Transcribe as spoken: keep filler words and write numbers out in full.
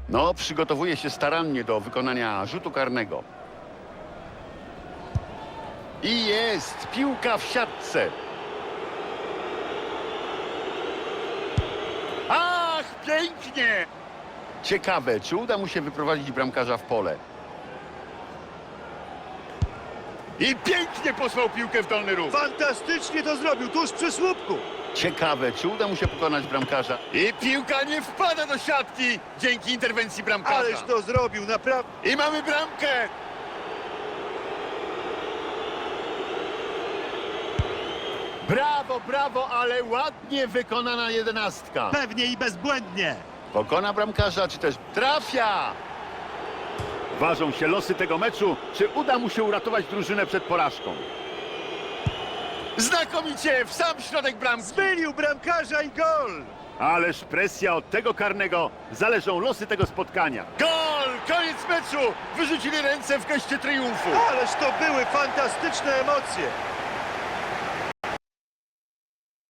No, przygotowuje się starannie do wykonania rzutu karnego. I jest piłka w siatce. Ach, pięknie! Ciekawe, czy uda mu się wyprowadzić bramkarza w pole. I pięknie posłał piłkę w dolny róg. Fantastycznie to zrobił, tuż przy słupku. Ciekawe, czy uda mu się pokonać bramkarza. I piłka nie wpada do siatki dzięki interwencji bramkarza. Ależ to zrobił, naprawdę. I mamy bramkę. Brawo, brawo, ale ładnie wykonana jedenastka. Pewnie i bezbłędnie. Pokona bramkarza, czy też trafia? Ważą się losy tego meczu, czy uda mu się uratować drużynę przed porażką. Znakomicie, w sam środek bramki. Zmylił bramkarza i gol. Ależ presja od tego karnego, zależą losy tego spotkania. Gol! Koniec meczu! Wyrzucili ręce w geście triumfu. Ależ to były fantastyczne emocje.